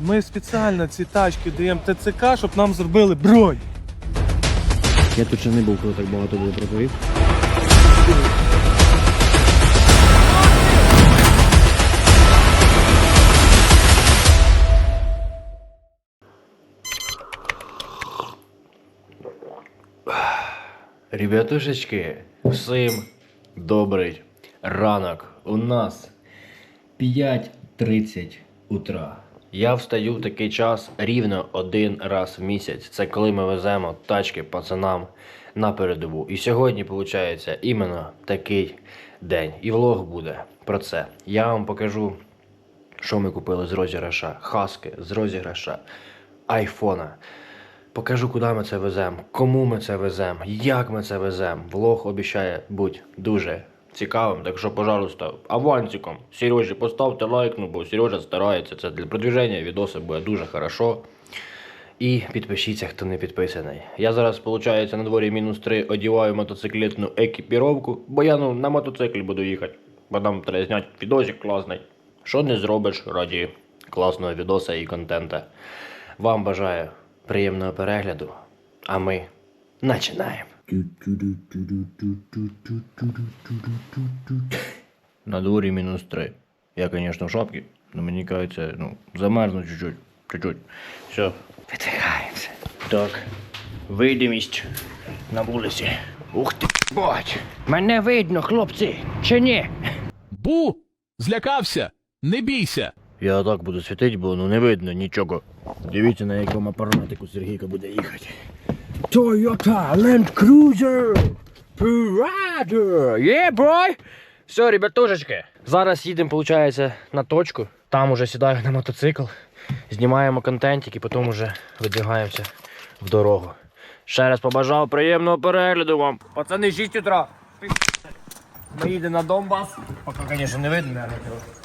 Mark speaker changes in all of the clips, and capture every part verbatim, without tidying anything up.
Speaker 1: Ми спеціально ці тачки даємо ТЦК, щоб нам зробили бронь.
Speaker 2: Я тут ще не був, коли так багато було тракторів. Ребятушечки, всім добрий ранок. У нас п'ять тридцять утра. Я встаю в такий час рівно один раз в місяць. Це коли ми веземо тачки пацанам на передову. І сьогодні, виходить, іменно такий день. І влог буде про це. Я вам покажу, що ми купили з розіграша Хаски, з розіграша айфона. Покажу, куди ми це веземо, кому ми це веземо, як ми це веземо. Влог обіцяє бути дуже цікавим, так що, пожалуйста, авансиком Сережі поставте лайк, ну бо Сережа старається, це для продвіження відоси буде дуже хорошо. І підпишіться, хто не підписаний. Я зараз, виходить, на дворі мінус три одіваю мотоциклетну екіпіровку, бо я ну, на мотоциклі буду їхати, бо там треба зняти відосик класний. Що не зробиш раді класного відоса і контента. Вам бажаю приємного перегляду, а ми починаємо. На дворі мінус три. Я, звісно, в шапці, але мені кажеться, ну, замерзну чуть-чуть, чуть-чуть. Все, віддихаємося. Так, видимість на вулиці. Ух ти, бать! Мене видно, хлопці, чи ні?
Speaker 3: Бу! Злякався! Не бійся!
Speaker 2: Я так буду світити, бо ну не видно нічого. Дивіться, на якому апаратику Сергійка буде їхати. Toyota Land Cruiser Prado! Yeah, boy! Все, ребятушечки, зараз їдемо, виходить, на точку. Там уже сідаю на мотоцикл, знімаємо контентик і потім вже видвигаємося в дорогу. Ще раз побажав приємного перегляду вам. Пацани, шість утра. Ми їдемо на Донбас. Поки, звісно, не видно, наверное.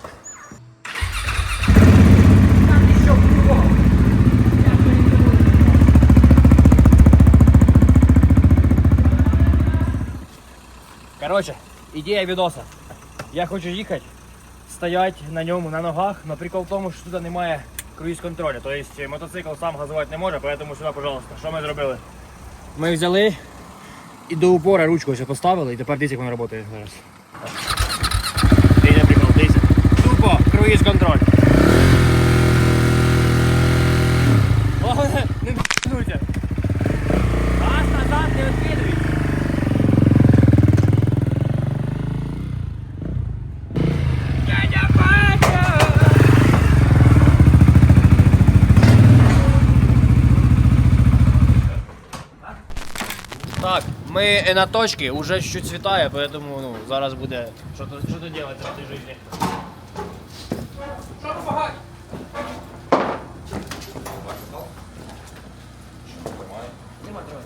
Speaker 2: Короче, ідея відоса. Я хочу їхати, стоять на ньому на ногах, але прикол в тому, що тут немає круїз-контролю. Тобто мотоцикл сам газувати не може, тому сюди, пожалуйста. Що ми зробили? Ми взяли і до упора ручку ось поставили, і тепер дивіться, як воно працює зараз. Дивіться прикол, дивіться. Тупо круїз-контроль. Головне, не м***нуйте. Газ назад не відкидуй. Так, ми на точці, уже чуть-чуть світає, поэтому ну, зараз буде що-то що-то делать в цій житті. Що помагати? Нема, тримай.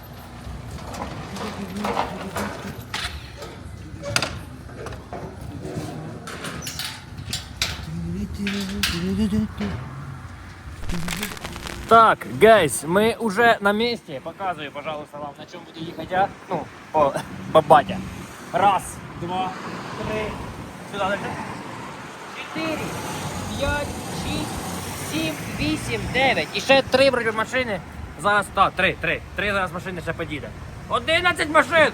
Speaker 2: Так, гайс, мы уже на месте. Показываю, пожалуйста, вам, на чем буду ехать я. Ну, по, по батя. Раз, два, три, сюда дальше. Четыре, п'ять, шість, сім, вісім, дев'ять. І ще три вроде машини. Зараз, так, три, три. Три зараз машини ще підійде. Одинадцять машин!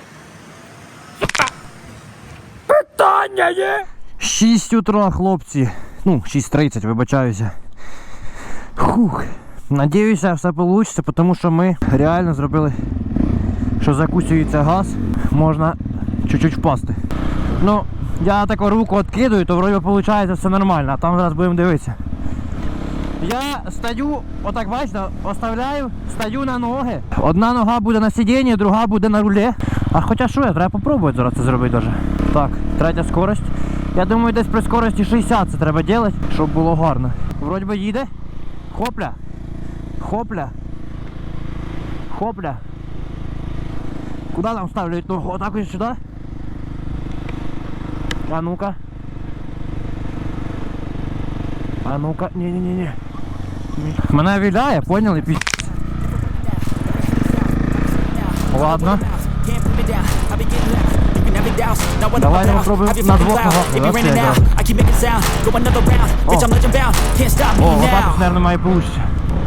Speaker 2: Питання є! шість утра, хлопці. Ну, шість тридцять, вибачаюся. Фух. Надіюся, все вийде, тому що ми реально зробили, що закусюється газ, можна чуть-чуть впасти. Ну, я таку руку відкидую, то вроді виходить все нормально, а там зараз будемо дивитися. Я стою, отак бачите, оставляю, стою на ноги. Одна нога буде на сидінні, друга буде на рулі. А хоча що, я треба спробувати зараз це зробити даже. Так, третя скорость. Я думаю, десь при скорості шістдесят це треба робити, щоб було гарно. Вроді би їде. Хопля. Хопля. Хопля. Куда там ставлять ногу? Вот так вот сюда? А ну-ка. А ну-ка. Не-не-не-не. Мене виляє, поняли? Пі... Ладно.
Speaker 4: it douse. Now when
Speaker 5: Давай
Speaker 4: I'm about,
Speaker 5: попробуем
Speaker 4: have you
Speaker 5: на
Speaker 4: fucking
Speaker 5: двох
Speaker 4: cloud.
Speaker 5: ногах,
Speaker 4: It be
Speaker 5: да,
Speaker 4: raining
Speaker 5: це
Speaker 4: now.
Speaker 5: якраз.
Speaker 4: I keep making sound. Go another round. Bitch, I'm legend bound. Can't stop me
Speaker 5: О, отак
Speaker 4: now.
Speaker 5: ось, мабуть, має получиться.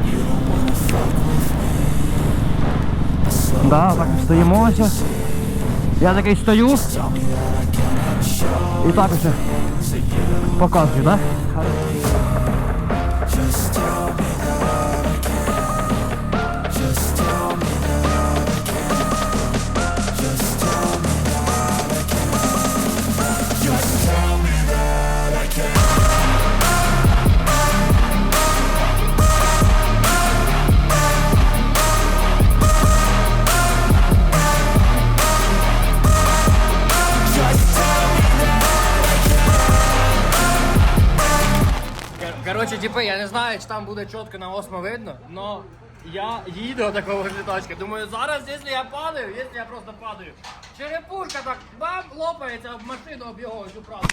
Speaker 5: Да, так стоїмо ось. Я такий стою. І так ось показую, да?
Speaker 2: Короче, типа, я не знаю, чи там буде чітко на осмо видно, но я їду такого літачка. Думаю, зараз, якщо я падаю, якщо я просто падаю, черепушка так бам, лопається об машину, об його всю правду.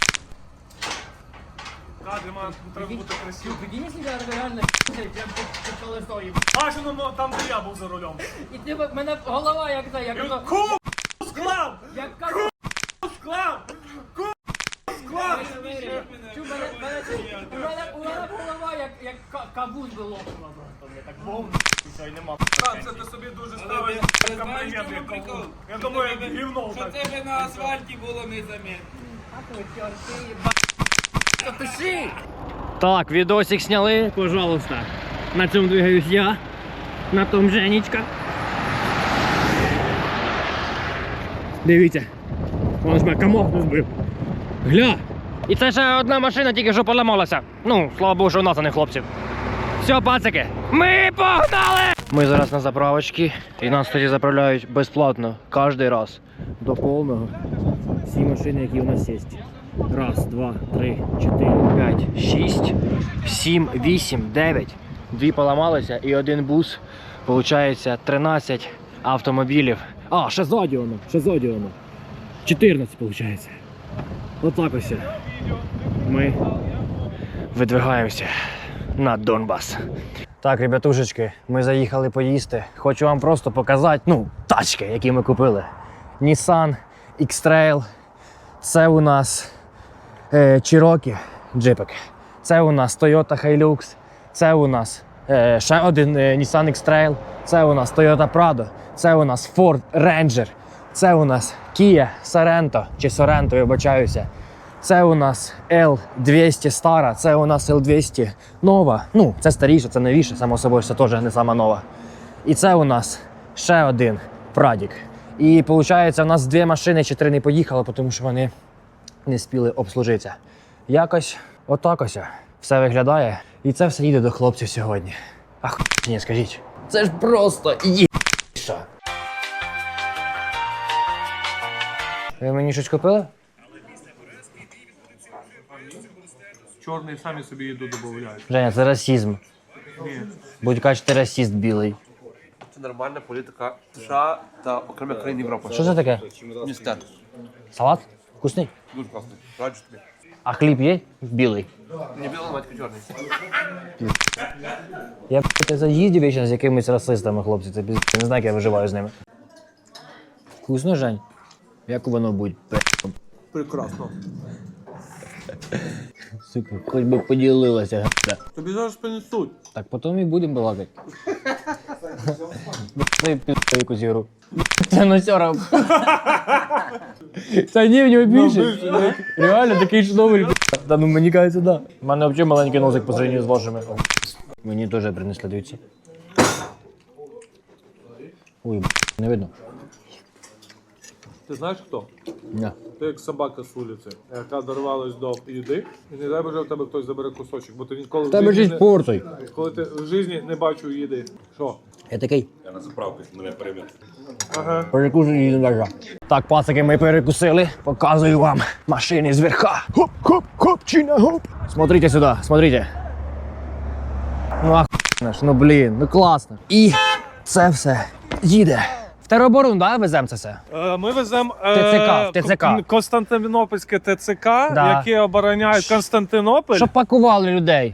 Speaker 1: Кадри, мам, треба бути красивим.
Speaker 2: Прикинь, себе реально як під колесо їм.
Speaker 1: А що ну, там, де я був за рулем.
Speaker 2: І типа, в мене голова як це, як ото...
Speaker 1: Ку склав!
Speaker 2: Як кажу,
Speaker 1: Склав! Ку склав!
Speaker 2: Чу, мене, мене, у мене, у мене голова як, як ка- кавун би лопнула просто. Мені так вовну, що й нема.
Speaker 1: Так, це ти собі дуже ставиш комплімент, як кавун. Я думаю, як гівно
Speaker 6: Що
Speaker 1: так.
Speaker 6: тебе на асфальті було незаметно.
Speaker 2: Так, відосик сняли, пожалуйста. На цьому двигаюсь я, на том Женечка. Дивіться, вон ж мене комок не збив. Гля! І це ще одна машина тільки що поламалася. Ну, слава Богу, що у нас, а не хлопців. Все, пацики, ми погнали! Ми зараз на заправочці, і нас тоді заправляють безплатно, кожен раз. До повного. Всі машини, які у нас є. Раз, два, три, чотири, п'ять, шість, сім, вісім, дев'ять. Дві поламалися і один бус. Получається тринадцять автомобілів. А, ще ззаді воно, ще ззаді воно. чотирнадцять виходить. Отак ось. Ми видвигаємося на Донбас. Так, ребятушечки, ми заїхали поїсти. Хочу вам просто показати, ну, тачки, які ми купили. Nissan X-Trail. Це у нас е, Cherokee джипик. Це у нас Toyota Hilux. Це у нас е, ще один е, Nissan X-Trail. Це у нас Toyota Prado. Це у нас Ford Ranger. Це у нас Kia Sorento, чи Sorento, вибачаюся. Це у нас ел двісті стара, це у нас ел двісті нова. Ну, це старіше, це новіше, само собою, це теж не сама нова. І це у нас ще один Прадік. І виходить, у нас дві машини чи три не поїхали, тому що вони не спіли обслужитися. Якось отак ось все виглядає. І це все їде до хлопців сьогодні. Ах, ні, скажіть. Це ж просто є***ша. Ви мені щось купили?
Speaker 1: Чорний самі собі їду додають.
Speaker 5: Женя, це расизм.
Speaker 1: Ні.
Speaker 5: Будь кажуть, ти расист білий.
Speaker 7: Це нормальна політика США та окремих країн Європи.
Speaker 5: Що це таке?
Speaker 7: Містер.
Speaker 5: Салат? Вкусний?
Speaker 7: Дуже класний. Раджу тобі.
Speaker 5: А хліб є? Білий.
Speaker 7: Не білий, батько чорний.
Speaker 5: Я б***ь, заїздів вічно з якимись расистами, хлопці. Це пізд... Не знаю, як я виживаю з ними. Вкусно, Жень? Як воно будь?
Speaker 1: Прекрасно.
Speaker 5: Сука, хоч би поділилася, г***а.
Speaker 1: Тобі зараз принесуть.
Speaker 5: Так потім і будемо балакати. Дай пізду якусь ігру. Це носьора. Та ні, в нього більше. Реально, такий шновель. Та ну мені кажеться, да. У мене взагалі маленький носик по сравнению з вашими. Мені теж принесли, дивіться. Ой, не видно.
Speaker 1: Ти знаєш хто?
Speaker 5: Ні.
Speaker 1: Ти як собака з вулиці, яка дорвалась до їди, і не дай Боже в тебе хтось забере кусочок, бо ти ніколи в
Speaker 5: Тебе
Speaker 1: житті
Speaker 5: ж
Speaker 1: не...
Speaker 5: портой.
Speaker 1: Коли ти в житті не бачив їди. Що?
Speaker 5: Я такий.
Speaker 8: Я на заправку, мене перемет.
Speaker 1: Ага.
Speaker 5: Перекусую їду даже. Так, пацики, ми перекусили. Показую вам машини з верха. Хоп, хоп, хоп, чина, хоп. Смотрите сюди, смотрите. Ну охуєнно ж, ну блін, ну класно. І це все їде. В тероборону, да, веземо це все?
Speaker 1: Е, Ми веземо
Speaker 5: ТЦК, в ТЦК.
Speaker 1: Кон- Константинопольське ТЦК,
Speaker 5: Да.
Speaker 1: яке обороняють Константинополь.
Speaker 5: Щоб пакували людей.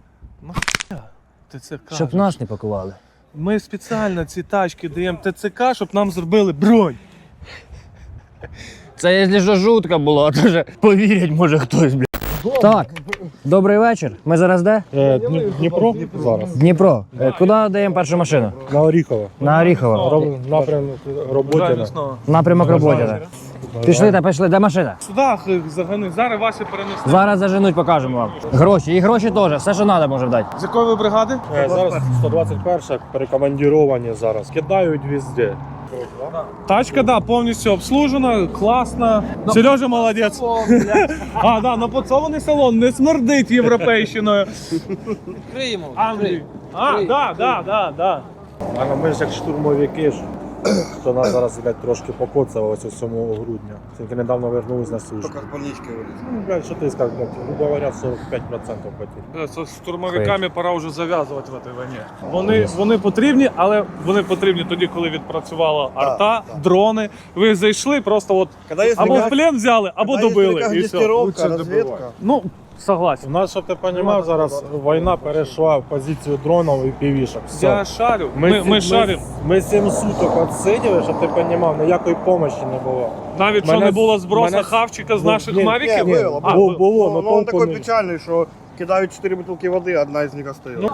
Speaker 1: ТЦК.
Speaker 5: Щоб нас не пакували.
Speaker 1: Ми спеціально ці тачки даємо ТЦК, щоб нам зробили бронь.
Speaker 5: Це якщо що жутко було, а то вже повірять може хтось, блядь. Так, добрий вечір. Ми зараз де?
Speaker 1: Дніпро зараз.
Speaker 5: Дніпро. Е, Куди даємо першу машину?
Speaker 1: На Оріхово.
Speaker 5: На Оріхово.
Speaker 1: Напрямок Роботіна.
Speaker 5: Напрямок роботи. Пішли та пішли, де машина?
Speaker 1: Сюди загони. Зараз ваші перенесли.
Speaker 5: Зараз заженуть, покажемо вам. Гроші, і гроші теж, все, що треба, може дати.
Speaker 1: З якої ви бригади?
Speaker 8: Зараз сто двадцять перша перекомандіровані зараз. Кидають везде.
Speaker 1: Тачка, да, повністю обслужена, класна. Сережа молодець. А, да, напоцований салон, не смердить європейщиною.
Speaker 6: Криємо.
Speaker 1: Англії. А, да, да, да, да.
Speaker 8: А ми ж як штурмовики ж, то нас зараз блядь, трошки покоцало ось ось сьомого грудня. Тільки недавно вернулись на службу.
Speaker 7: Тільки з больнички виліз.
Speaker 8: Ну, блядь, що ти скажеш, блядь, грубо говоря, сорок п'ять відсотків хотів.
Speaker 1: З штурмовиками пора вже зав'язувати в цій війні. Вони, вони потрібні, але вони потрібні тоді, коли відпрацювала арта, дрони. Ви зайшли, просто от або в плен взяли, або добили. І все.
Speaker 8: разведка.
Speaker 1: Ну, согласен.
Speaker 8: У нас, щоб ти розумів, зараз війна перейшла в позицію дронів і півішок. Все.
Speaker 1: Я шарю, ми, ми,
Speaker 8: сі-
Speaker 1: шаримо.
Speaker 8: Ми сім суток відсиділи, щоб ти розумів, ніякої допомоги не було.
Speaker 1: Навіть що
Speaker 8: мене-
Speaker 1: не було збросу
Speaker 8: мене-
Speaker 1: хавчика з
Speaker 8: Ну,
Speaker 1: наших
Speaker 8: ні,
Speaker 1: мавіків.
Speaker 8: ні,
Speaker 1: А,
Speaker 8: було, було,
Speaker 9: Ну,
Speaker 8: но
Speaker 9: он
Speaker 8: толку
Speaker 9: такой
Speaker 8: не-
Speaker 9: печальный, что кидают четыре бутылки воды, одна из них остается.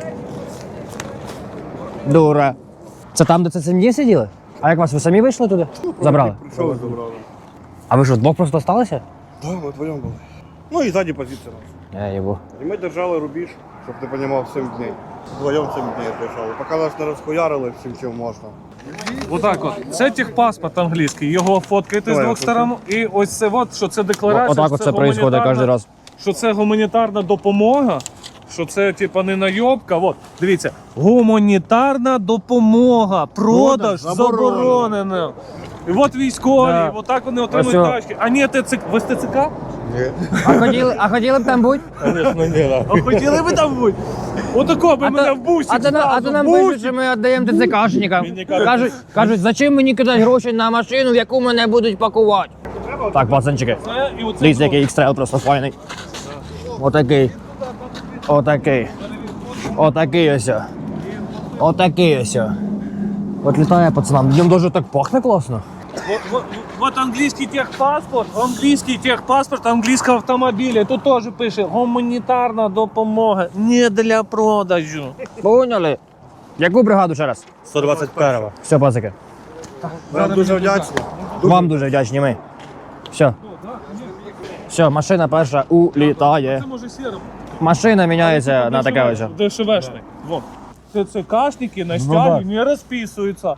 Speaker 5: Дура. Це там, де це сім'ї сиділи? А як вас, ви самі вийшли туди? Забрали?
Speaker 9: Пришел и забрал.
Speaker 5: А ви що, вдвох просто осталися?
Speaker 9: Да, мы вдвоем были. Ну и сзади позиция наша.
Speaker 5: Я їбу.
Speaker 9: И мы держали рубеж, чтобы ты понимал, семь дней. Вдвоем семь дней держали. Пока нас не расхуярили всем, чем можно.
Speaker 1: Отак от. Це техпаспорт англійський, його фоткаєте з
Speaker 9: Давай,
Speaker 1: двох
Speaker 9: я
Speaker 1: сторон. І ось це от, що це декларація.
Speaker 5: Отак
Speaker 1: що
Speaker 5: от це відбувається
Speaker 1: гуманітарна-
Speaker 5: кожен раз.
Speaker 1: Що це гуманітарна допомога, що це типа не найобка. От, дивіться, гуманітарна допомога, продаж заборонено. І от військові,
Speaker 5: Да.
Speaker 1: от так вони отримують
Speaker 5: Ось о.
Speaker 1: тачки. А ні, ТЦК. Ви з ТЦК?
Speaker 5: А хотіли, а хотіли б там бути?
Speaker 8: Звісно, ні, да.
Speaker 1: А хотіли ви там бути? Отако би
Speaker 5: А
Speaker 1: мене
Speaker 5: то,
Speaker 1: в бусі.
Speaker 5: а то, на- а то нам
Speaker 1: зразу, в
Speaker 5: пишуть, що ми віддаємо ТЦКшникам. Кажуть, кажуть, зачем мені кидати гроші на машину, в яку мене будуть пакувати? Так, пацанчики,
Speaker 1: Це, і оце
Speaker 5: дивіться, який ікс-трейл просто файний. Отакий. Отакий. Отакий ось. Отакий ось. От літає пацанам. Днем дуже так пахне класно.
Speaker 1: Вот, вот, вот английский техпаспорт, английский техпаспорт англійського автомобіля. Тут теж пише гуманітарна допомога не для продажу.
Speaker 5: Поняли? Яку бригаду ще раз?
Speaker 8: сто двадцять перша.
Speaker 5: Все, пацики.
Speaker 9: Вам дуже вдячні.
Speaker 5: Вам дуже вдячні ми. Все. Все, машина перша улітає.
Speaker 1: Це може сіро.
Speaker 5: Машина міняється на таке ось.
Speaker 1: ДШВшник. Вот. ТЦКшники на стягі не розписуються.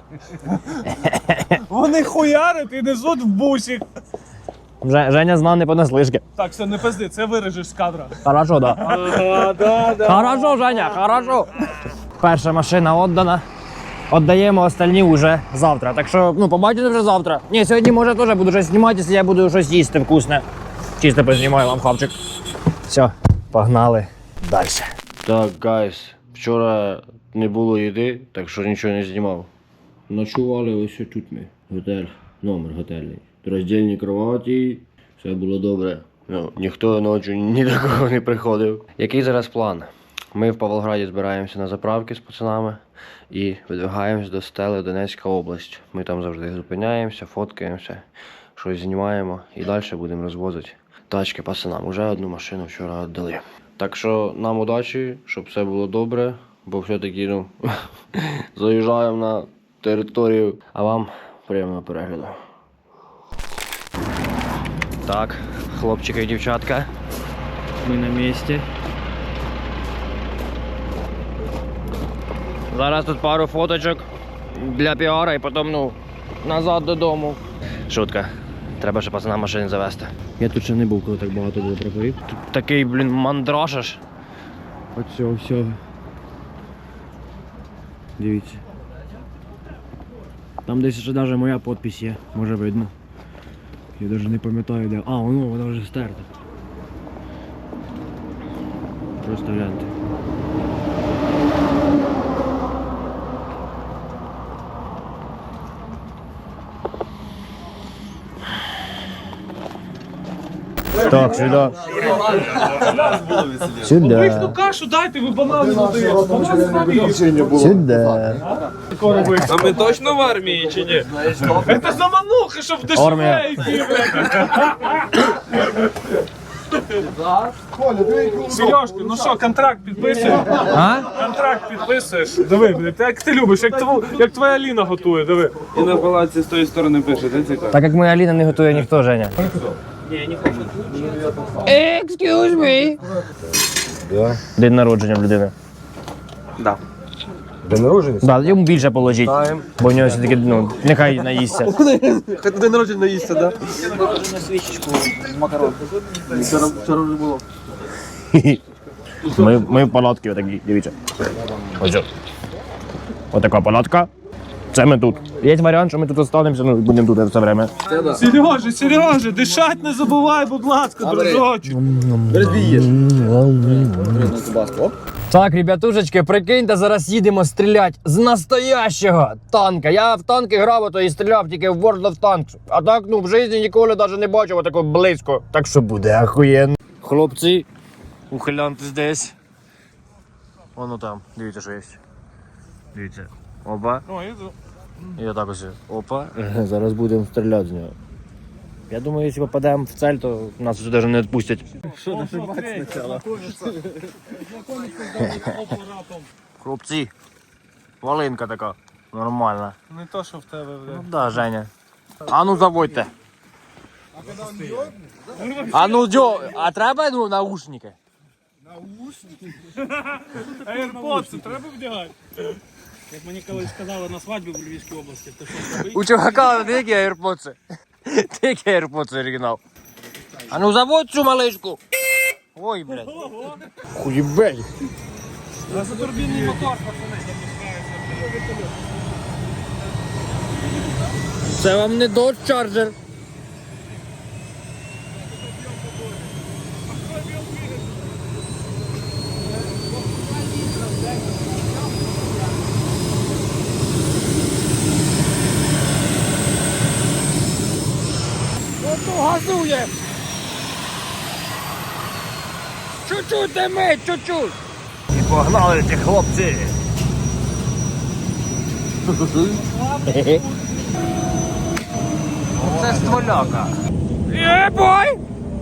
Speaker 1: Вони хуярять і несуть в бусик.
Speaker 5: Вже- Женя знав не понаслишки.
Speaker 1: Так, все, не пизди, це вирежеш з кадра.
Speaker 5: Хорошо, да.
Speaker 1: Ага, да, да.
Speaker 5: Хорошо, Женя, хорошо. Перша машина віддана. Віддаємо остальні вже завтра. Так що, ну, побачите вже завтра. Ні, сьогодні, може, теж буду щось знімати, якщо я буду щось їсти вкусне. Чисто познімаю вам хавчик. Все, погнали далі.
Speaker 2: Так, гайс, вчора не було їди, так що нічого не знімав. Ночували ось тут ми. Готель, номер готельний. Роздільні кроваті, все було добре. Ну, ніхто ночі ні до кого не приходив. Який зараз план? Ми в Павлограді збираємося на заправки з пацанами і видвигаємось до Стели, Донецька область. Ми там завжди зупиняємося, фоткаємося, щось знімаємо і далі будемо розвозити тачки пацанам. Уже одну машину вчора віддали. Так що нам удачі, щоб все було добре, бо все-таки ну, заїжджаємо на територію, а вам приємного перегляду. Так, хлопчики і дівчатка, ми на місці. Зараз тут пару фоточок для піара і потім, ну, назад додому. Шутка. Треба ще пацана машини завести. Я тут ще не був, коли так багато було прапорів. Тут такий, блін, мандраж аж. Оцього всього. Дивіться. Там десь ще навіть моя підпись є, може видно. Я навіть не пам'ятаю де. А, воно, вона вже стерта. Просто гляньте.
Speaker 5: Так, сюди.
Speaker 1: Обичну
Speaker 5: Сюди.
Speaker 1: кашу дайте, ви банани не даєте. Банани самі.
Speaker 5: Сюди.
Speaker 1: тако робити.
Speaker 6: А ми точно в армії чи ні?
Speaker 1: Це замануха, щоб в
Speaker 5: Армія.
Speaker 1: дешеве йти, Сережка, ну що, контракт підписуєш?
Speaker 5: А?
Speaker 1: Контракт підписуєш? Диви, блядь, як ти любиш, як, тво, як твоя Аліна готує, диви.
Speaker 6: І на палаці з тої сторони пише, де цікаво?
Speaker 5: Так як моя Аліна не готує ніхто, Женя. Excuse me. День народження в людини.
Speaker 7: Да.
Speaker 8: День народження?
Speaker 5: Да, йому більше положіть. Бо в нього все-таки, ну, нехай наїсться.
Speaker 7: Хай день народження наїсться, да?
Speaker 5: Ми, ми в палатки отакі, дивіться. Ось. о. Отака палатка. Це ми тут. Є варіант, що ми тут останемося, ну будемо тут все время.
Speaker 1: Сережа, Сережа, дишать не забувай, будь ласка, дружочок.
Speaker 5: Так, ребятушечки, прикиньте, зараз їдемо стріляти з настоящого танка. Я в танки грав, а то і стріляв тільки в World of Tanks. А так, ну, в житті ніколи навіть не бачив отако близько. Так що буде охуєнно. Хлопці, ухилянтесь десь. Воно там, дивіться, що є. Дивіться. Опа. І отак ось. Опа. Зараз будемо стріляти з нього. Я думаю, якщо попадемо в цель, то нас вже навіть не відпустять. Хлопці, волинка така. Нормальна.
Speaker 1: Не то, що в тебе,
Speaker 5: Ну
Speaker 1: блядь.
Speaker 5: да, Женя. А ну заводьте. А ну дьо, а треба ну наушники?
Speaker 1: AirPods треба вдягати? Як мені колись сказали на свадьбі в Львівській області, то що,
Speaker 5: У чувака які AirPods? Які AirPods оригінал? А ну заводь цю малишку. Ой, блядь. Хуєбель.
Speaker 1: газотурбінний мотор, пацани.
Speaker 5: Це вам не Dodge Charger. Ото газує. Чуть-чуть димить, чуть-чуть. І погнали ті хлопці. Це стволяка. Єбой!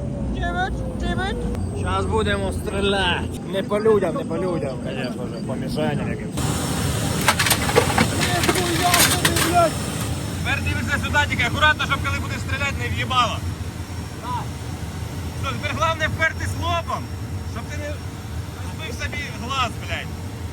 Speaker 5: Зараз будемо стріляти. Не по людям, не по людям, звісно ж, по мішеням якимось.
Speaker 6: Тепер дивишся сюди, тільки акуратно, щоб коли будеш стріляти, не в'їбало. Що, тепер головне впертись лобом, щоб ти не збив собі глаз, блядь.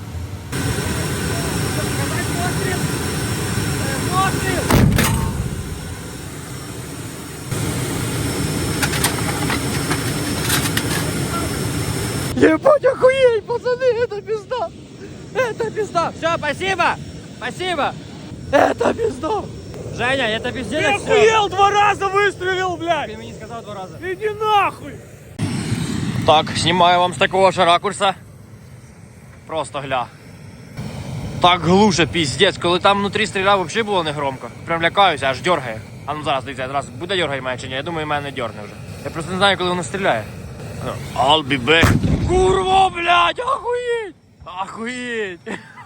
Speaker 5: Ебать, охуеть, пацаны, это пизда! Это пизда! Все, спасибо! Спасибо! Это пизда! Женя, это пиздец!
Speaker 1: Ты охуел, два раза выстрелил, блядь!
Speaker 5: Ты мне не сказал два раза.
Speaker 1: Иди нахуй!
Speaker 5: Так, знімаю вам з такого ж ракурса. Просто гля. Так глуше, піздець. Коли там внутрі стріляв, взагалі було не громко. Прям лякаюся, аж дергає. А ну зараз, дивіться, зараз буде дергає мене чи ні? Я думаю, мене не дергне вже. Я просто не знаю, коли воно стріляє. Ну, I'll be back. Курва, блядь, охуєть! Охуєть!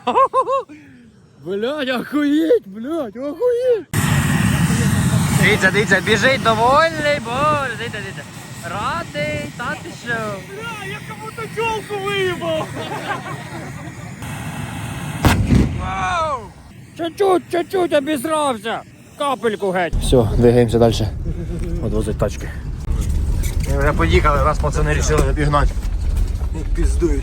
Speaker 5: Блядь, охуєть, блядь, охуєть! Дивіться, дивіться, біжить довольний, боже, дивіться, дивіться. Радий, та ти що?
Speaker 1: Бля, я кому-то тёлку выебал!
Speaker 5: Чуть-чуть, чуть-чуть обісрався. Капельку геть. Все, двигаємося далі. Одвозить тачки. Ми вже поїхали, раз пацани вирішили обігнати. Піздують.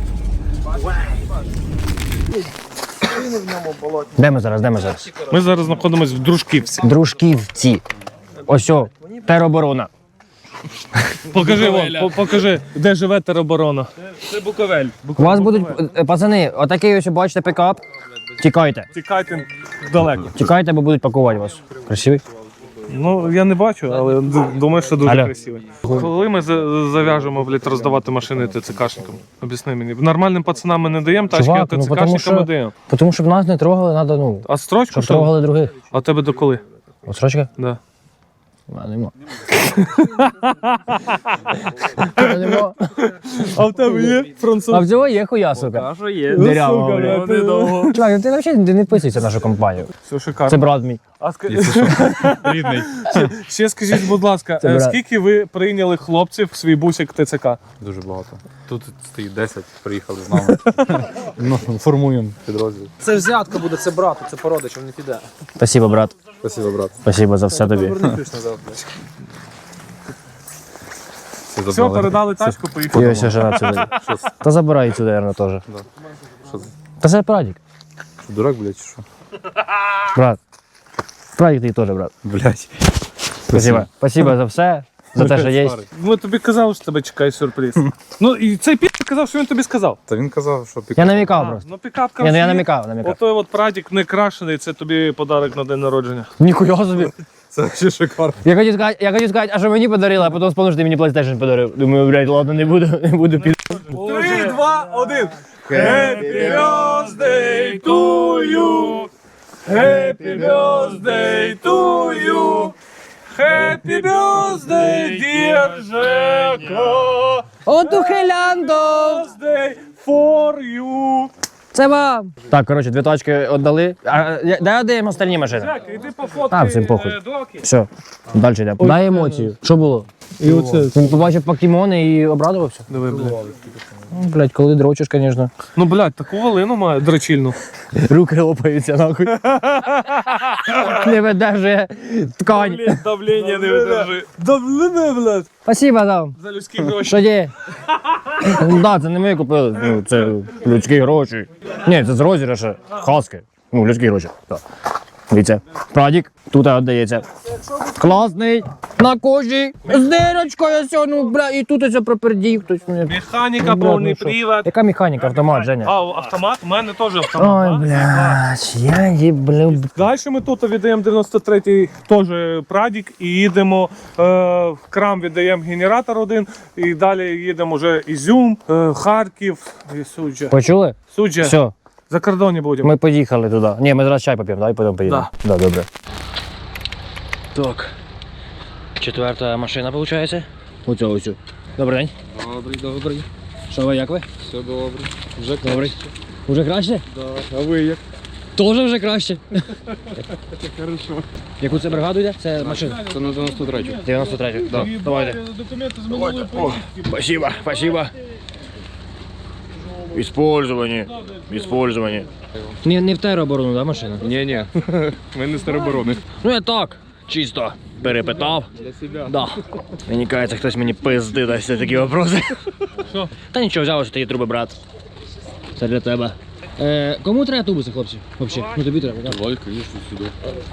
Speaker 5: Де ми зараз, де ми зараз?
Speaker 1: Ми зараз знаходимося в Дружківці.
Speaker 5: Дружківці. Ось о, тероборона.
Speaker 1: Покажи, вон, по- покажи, де живе тероборона. Це Буковель.
Speaker 5: У вас будуть, е, пацани, отакий ось, бачите, пікап. Тікайте.
Speaker 1: Тікайте далеко.
Speaker 5: Тікайте, бо будуть пакувати вас. Красивий?
Speaker 1: Ну, я не бачу, але д- думаю, що дуже
Speaker 5: Алло.
Speaker 1: красивий. Коли ми за- зав'яжемо, блядь, роздавати машини ТЦКшникам? Об'ясни мені. Нормальним пацанам ми не даємо тачки,
Speaker 5: Чувак,
Speaker 1: а
Speaker 5: ну, потому
Speaker 1: ТЦКшникам
Speaker 5: що-
Speaker 1: ми даємо.
Speaker 5: Тому щоб нас не трогали, треба, ну,
Speaker 1: А строчку
Speaker 5: щоб
Speaker 1: що?
Speaker 5: трогали других.
Speaker 1: А тебе до коли?
Speaker 5: От срочка?
Speaker 1: Да.
Speaker 5: А, нема. А, нема.
Speaker 1: А в тебе є
Speaker 5: А
Speaker 1: француз?
Speaker 5: в цього є хуя, сука.
Speaker 1: що є.
Speaker 5: Дирява,
Speaker 1: сука,
Speaker 5: блядь.
Speaker 1: я недовго.
Speaker 5: Чувак, ти взагалі не вписуйся в нашу компанію.
Speaker 1: Все шикарно.
Speaker 5: Це брат мій.
Speaker 1: А ска-
Speaker 3: Рідний.
Speaker 1: ще, ще скажіть, будь ласка,
Speaker 5: Це
Speaker 1: е,
Speaker 5: брат.
Speaker 1: скільки ви прийняли хлопців в свій бусик ТЦК?
Speaker 3: Дуже багато. Тут стоїть десять, приїхали з нами. Ну, формуємо підрозділ.
Speaker 7: Це взятка буде, це брату, це породичів, не піде.
Speaker 5: Спасибо, брат.
Speaker 3: Спасибо, брат.
Speaker 5: Спасибо за все тобі.
Speaker 3: Все,
Speaker 1: Все,
Speaker 3: забрали.
Speaker 1: передали тачку,
Speaker 5: І
Speaker 1: поїхали.
Speaker 5: ось жена сюди. Та забирай сюди, наверное, теж.
Speaker 3: Що за-
Speaker 5: Та це прадік.
Speaker 3: Що, дурак, блядь, чи що?
Speaker 5: Брат. Прадік ти теж, брат.
Speaker 3: Блядь.
Speaker 5: Спасибо. Спасибо за все. За те, що є.
Speaker 1: Ми тобі казали, що тебе чекає сюрприз. Ну і цей пі казав, що він тобі сказав.
Speaker 3: Та він казав, що пік...
Speaker 5: Я намікав
Speaker 1: А,
Speaker 5: просто.
Speaker 1: ну пікап
Speaker 5: Ні, ну я
Speaker 1: є.
Speaker 5: намікав, намікав.
Speaker 1: Отой от прадік не крашений, це тобі подарок на день народження.
Speaker 5: Ніхуя собі.
Speaker 3: Це ще шикарно.
Speaker 5: Я хотів сказати, я хотів сказати, а що мені подарили, а потім вспомнив, що ти мені PlayStation подарив. Думаю, блядь, ладно, не буду, не буду під...
Speaker 1: Три, два, один. Happy birthday to you. Happy birthday to you. Happy birthday, dear Жека.
Speaker 5: От ухиляндо!
Speaker 1: Birthday for you.
Speaker 5: Це вам! Так, коротше, дві тачки віддали. А, я- дай оддаємо остальні машини.
Speaker 1: Так, іди пофоткай
Speaker 5: А, всім похуй.
Speaker 1: е, доки.
Speaker 5: Все, далі йдемо. Дай емоцію. Що було?
Speaker 1: І оце.
Speaker 5: Він побачив покемони і обрадувався.
Speaker 1: Диви, блядь.
Speaker 5: Ну, блядь, коли дрочиш, звісно.
Speaker 1: Ну, блядь, таку волину має дрочильну.
Speaker 5: Руки лопаються, нахуй. Не видержує ткань.
Speaker 1: Давлення не видержи. Давлення, блядь.
Speaker 5: Спасибо, там.
Speaker 1: За людські гроші.
Speaker 5: Що є? Ну так, це не ми купили. Ну, це людські гроші. Ні, це з розіграша. Хаски. Ну, людські гроші. Так. Дивіться. Прадік тут віддається. Класний. На кожі. З дирочкою все, ну, бля, і тут оце пропердів. Хтось мені.
Speaker 1: Механіка,
Speaker 5: Бля,
Speaker 1: повний
Speaker 5: ну що?
Speaker 1: привод.
Speaker 5: Яка механіка, автомат, Женя?
Speaker 1: А, автомат? У мене теж
Speaker 5: Ой,
Speaker 1: автомат. да?
Speaker 5: блядь, я їблю.
Speaker 1: Далі ми тут віддаємо дев'яносто третій теж прадік і їдемо е, в крам, віддаємо генератор один і далі їдемо вже Ізюм, е, Харків і Суджа.
Speaker 5: Почули?
Speaker 1: Суджа.
Speaker 5: Все,
Speaker 1: За кордоні будемо.
Speaker 5: ми поїхали туди. Ні, ми зараз чай поп'ємо, давай потім поїдемо. Да. Да, добре. Так. Четверта машина, виходить? Оцю, оцю. Добрий день.
Speaker 7: Добрий, добрий.
Speaker 5: Що ви, як ви?
Speaker 7: Все добре. Вже
Speaker 5: Добрий. Уже краще?
Speaker 7: Да. А ви як?
Speaker 5: Тоже вже краще.
Speaker 7: Хорошо.
Speaker 5: Яку це бригаду йде? Це машина.
Speaker 7: Це на дев'яносто третю.
Speaker 5: дев'яносто третю. Да. Давайте.
Speaker 1: Документи з минулої поїздки.
Speaker 5: Спасибо, спасибо. Использование. Использование. Не, не в тероборону, да, машина?
Speaker 7: Ні-ні, ми не з тероборони.
Speaker 5: Ну я так, чисто перепитав.
Speaker 7: Для себе.
Speaker 5: Да. Мені кажеться, хтось мені пизди дасть за такі вопроси.
Speaker 1: Що?
Speaker 5: Та нічого, взяв, що ти є труби, брат. Це для тебе. Е, кому треба тубуси, хлопці? Взагалі? Ну тобі треба, так?
Speaker 7: Давай, звісно, сюди.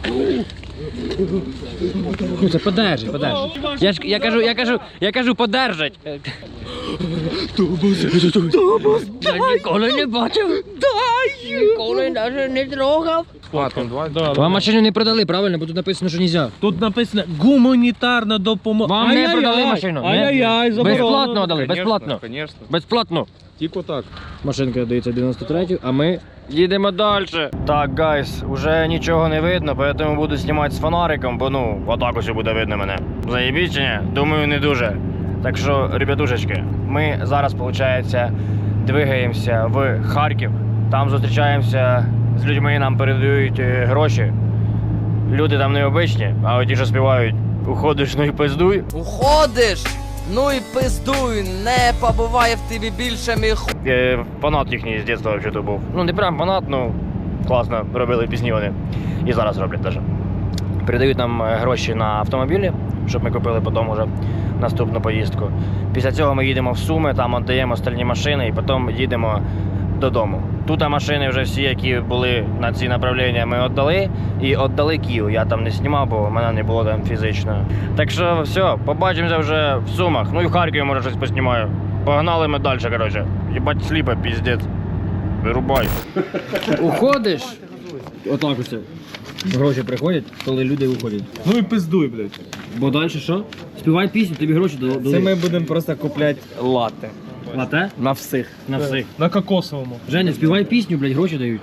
Speaker 5: Ну це подержить, подержить. Я ж я кажу, я кажу, я кажу, подержать. Тубус, тубус, я ніколи не бачив. Дай! Ніколи навіть не трогав.
Speaker 7: Платом, давай.
Speaker 1: Да,
Speaker 5: Вам машину не продали, правильно? Бо тут написано, що нельзя.
Speaker 1: Тут написано гуманітарна допомога.
Speaker 5: Вам не продали машину. не?
Speaker 1: Ай-яй-яй, заборонено.
Speaker 5: Безплатно дали, безплатно.
Speaker 7: Звісно.
Speaker 5: Безплатно.
Speaker 7: Тільки так.
Speaker 5: Машинка дається дев'яносто третю, а ми їдемо далі. Так, гайс, уже нічого не видно, тому буду знімати з фонариком, бо ну, отак ось буде видно мене. Заєбіть чи ні? Думаю, не дуже. Так що, ребятушечки, ми зараз, виходить, двигаємося в Харків. Там зустрічаємося з людьми, нам передають е, гроші. Люди там необичні, а от ті, що співають «Уходиш, ну і пиздуй».
Speaker 10: Уходиш, ну і пиздуй, не побуває в тобі більше мій ху...
Speaker 5: Е, фанат їхній з дитинства взагалі був. Ну не прям фанат, ну класно робили пісні вони. І зараз роблять теж. Передають нам е, гроші на автомобілі, щоб ми купили потім уже наступну поїздку. Після цього ми їдемо в Суми, там віддаємо остальні машини і потім їдемо додому. Тут машини вже всі, які були на ці направлення, ми віддали. І віддали Київ. Я там не знімав, бо в мене не було там фізично. Так що все, побачимося вже в Сумах. Ну і в Харкові, може, щось поснімаю. Погнали ми далі, коротше. Їбать сліпа, піздець. Вирубай. Уходиш? Отак ось. Гроші приходять, коли люди уходять.
Speaker 1: Ну і пиздуй, блядь.
Speaker 5: Бо далі що? Співай пісню, тобі гроші дадуть.
Speaker 7: Це ми будемо просто купляти лати.
Speaker 5: Лате?
Speaker 7: На всіх.
Speaker 5: На всіх.
Speaker 1: На кокосовому.
Speaker 5: Женя, співай пісню, блядь, гроші дають.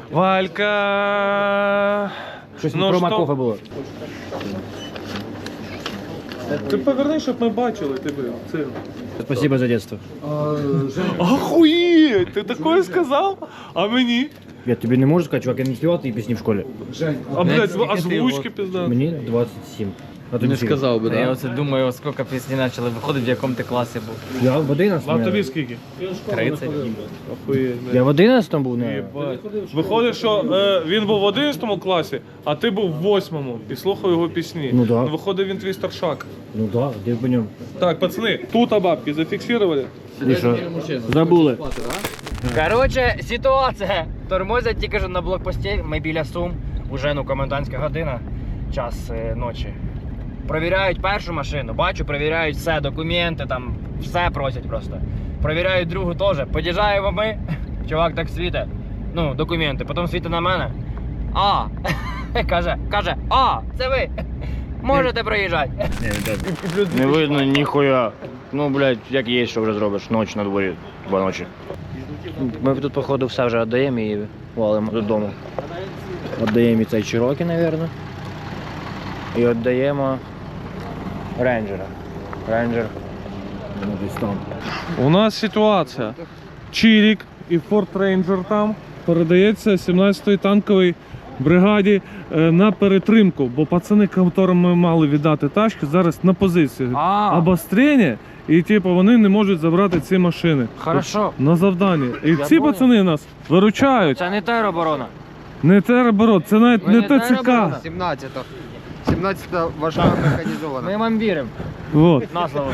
Speaker 1: Валька.
Speaker 5: Щось
Speaker 1: Ну
Speaker 5: про
Speaker 1: що?
Speaker 5: Макофа було.
Speaker 1: Ти поверни, щоб ми бачили тебе. Це...
Speaker 5: Спасибо за детство.
Speaker 1: Ахуєть, ти такое сказав? А мені?
Speaker 5: Я тобі не можу сказати, чувак, я не співав ті пісні в школі.
Speaker 1: А, блядь, озвучки пізда.
Speaker 5: Мені двадцять сім. А тобі
Speaker 3: Не
Speaker 5: скільки?
Speaker 3: сказав би,
Speaker 11: Я
Speaker 3: да?
Speaker 11: оце думаю, скільки пісні почали виходити, в якому ти класі був.
Speaker 5: Я в одинадцятому.
Speaker 1: А тобі скільки?
Speaker 11: тридцять.
Speaker 1: Охуєть.
Speaker 5: Я в одинадцятому був, не.
Speaker 1: Виходить, що е, він був в одинадцятому класі, а ти був в восьмому і слухав його пісні.
Speaker 5: Ну да.
Speaker 1: Виходить, він твій старшак.
Speaker 5: Ну так, де по ньому.
Speaker 1: Так, пацани, тут бабки зафіксували.
Speaker 5: І що? Забули.
Speaker 11: Коротше, ситуація. Тормозять тільки що на блокпості, ми біля Сум, уже ну комендантська година, час е, ночі. Провіряють першу машину, бачу, провіряють все, документи, там, все просять просто. Провіряють другу теж. Під'їжджаємо ми, чувак так світить, ну, документи, потім світить на мене. А, каже, каже, а, це ви, можете проїжджати.
Speaker 5: Не видно ніхуя. Ну, блядь, як є, що вже зробиш. Ноч на дворі, два ночі. Ми тут, походу, все вже віддаємо і валимо додому. Віддаємо і цей Чирокі, мабуть. І віддаємо рейнджера. Рейнджер. Ну, десь там.
Speaker 1: У нас ситуація. Чирік і Ford Ranger там передається сімнадцятої танковій бригаді е, на перетримку, бо пацани, яким ми мали віддати тачки, зараз на позиції.
Speaker 11: А.
Speaker 1: Обострення, і типу вони не можуть забрати ці машини.
Speaker 11: Хорошо.
Speaker 1: На завданні. І
Speaker 11: Я
Speaker 1: ці
Speaker 11: понял.
Speaker 1: пацани нас виручають.
Speaker 11: Це не тероборона.
Speaker 1: Не тероборот, це навіть
Speaker 11: Ми
Speaker 1: не
Speaker 11: не
Speaker 1: ТЦК.
Speaker 11: тероборона.
Speaker 9: сімнадцята. сімнадцята важка механізована.
Speaker 11: Ми вам віримо.
Speaker 1: Вот.
Speaker 11: На слово.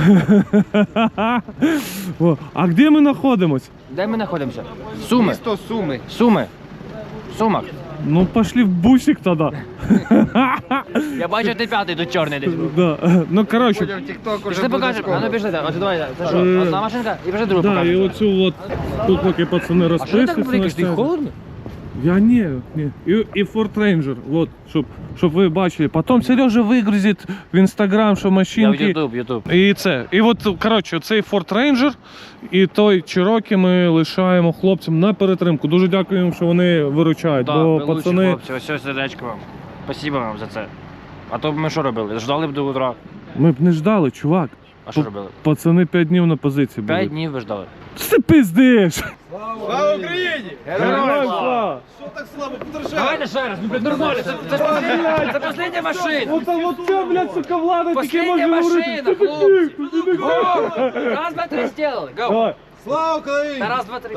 Speaker 1: О, а де ми знаходимось?
Speaker 11: Де ми знаходимося? Суми.
Speaker 9: Місто Суми.
Speaker 11: Суми. Сумах.
Speaker 1: Ну пошли в бусик тоді.
Speaker 11: Я бачу, ти п'ятий тут чорний десь.
Speaker 1: Да. Ну коротше,
Speaker 9: В тік-ток
Speaker 11: Пішли покажемо. А ну пішли. Ось давай. Це що?
Speaker 1: Е,
Speaker 11: Одна машинка і вже другу
Speaker 1: да, і
Speaker 11: покажемо.
Speaker 1: оцю от, тут поки пацани
Speaker 11: А що ти так
Speaker 1: розписуються.
Speaker 11: великий? Ти
Speaker 1: на
Speaker 11: холодно?
Speaker 1: Я ні, ні. І, і Ford Ranger, вот, щоб, щоб ви бачили. Потім Сережа вигрузить в інстаграм, що
Speaker 11: Я в
Speaker 1: машинки.
Speaker 11: Ютуб, Ютуб.
Speaker 1: І це. І от, коротше, цей Ford Ranger і той Cherokee ми лишаємо хлопцям на перетримку. Дуже дякуємо, що вони виручають.
Speaker 11: Да,
Speaker 1: бо
Speaker 11: ви лучші
Speaker 1: пацани.
Speaker 11: хлопці, ось ось сердечко вам. Спасибо вам за це. А то б ми що робили? Ждали б до утра.
Speaker 1: Ми б не ждали, чувак.
Speaker 11: А що
Speaker 1: П-
Speaker 11: робили?
Speaker 1: Пацани п'ять днів на позиції були.
Speaker 11: П'ять днів ви ждали.
Speaker 1: Ти пиздиш!
Speaker 6: Слава Україні!
Speaker 1: Героям слава!
Speaker 6: Що так слабо? Подержи!
Speaker 11: Давайте ще раз, ну блядь, нормально, це, це ж последня, це последня машина.
Speaker 1: От, от це, блядь, сука, влада таке
Speaker 11: Последня
Speaker 1: може
Speaker 11: машина,
Speaker 1: говорити.
Speaker 11: хлопці. Го! Раз, два, три, сделали. Го!
Speaker 1: Давай.
Speaker 6: Слава Україні!
Speaker 11: Та раз, два, три.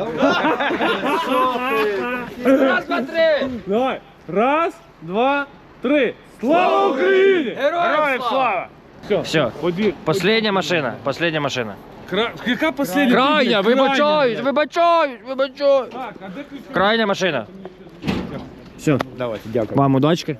Speaker 11: Раз, два, три.
Speaker 1: Давай. Раз, два, три. Слава Україні!
Speaker 11: Героям слава!
Speaker 1: Все,
Speaker 11: Все.
Speaker 1: Ході.
Speaker 11: Последня машина, последня машина.
Speaker 1: Кра... Яка последня?
Speaker 11: Крайня, вибачаюсь, вибачаюсь, вибачаюсь.
Speaker 1: Так, а де ключ?
Speaker 11: Крайня машина.
Speaker 5: Все. Давайте, дякую. Вам удачки.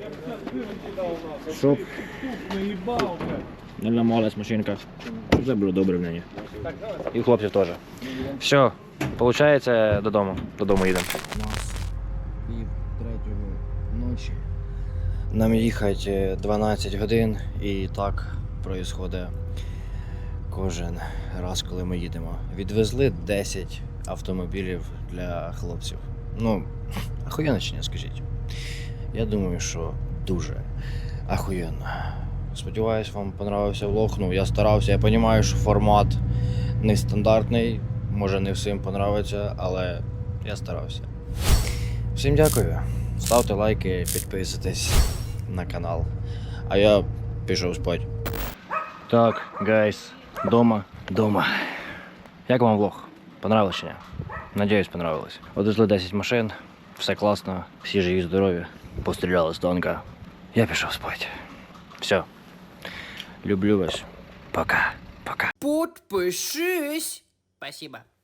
Speaker 5: Щоб
Speaker 1: Наїбав, блядь.
Speaker 5: не ламалась машинка. Щоб все було добре в неї.
Speaker 11: І хлопців теж. Все, виходить, додому. Додому їдемо.
Speaker 5: Пів третього ночі. Нам їхати дванадцять годин і так проїсходить кожен раз, коли ми їдемо. Відвезли десять автомобілів для хлопців. Ну, ахуєнно чи ні, скажіть? Я думаю, що дуже ахуєнно. Сподіваюсь, вам понравився влог. Ну, я старався, я розумію, що формат нестандартний, може не всім понравиться, але я старався. Всім дякую. Ставте лайки, підписуйтесь на канал. А я пішов спать. Так, гайс, дома, дома. Як вам влог? Понравилось чи ні? Надіюсь, понравилось. Одвезли десять машин, все класно, всі живі, здорові. Постріляли з танка. Я пішов спати. Все. Люблю вас. Пока. Пока.
Speaker 10: Подпишись. Спасибо.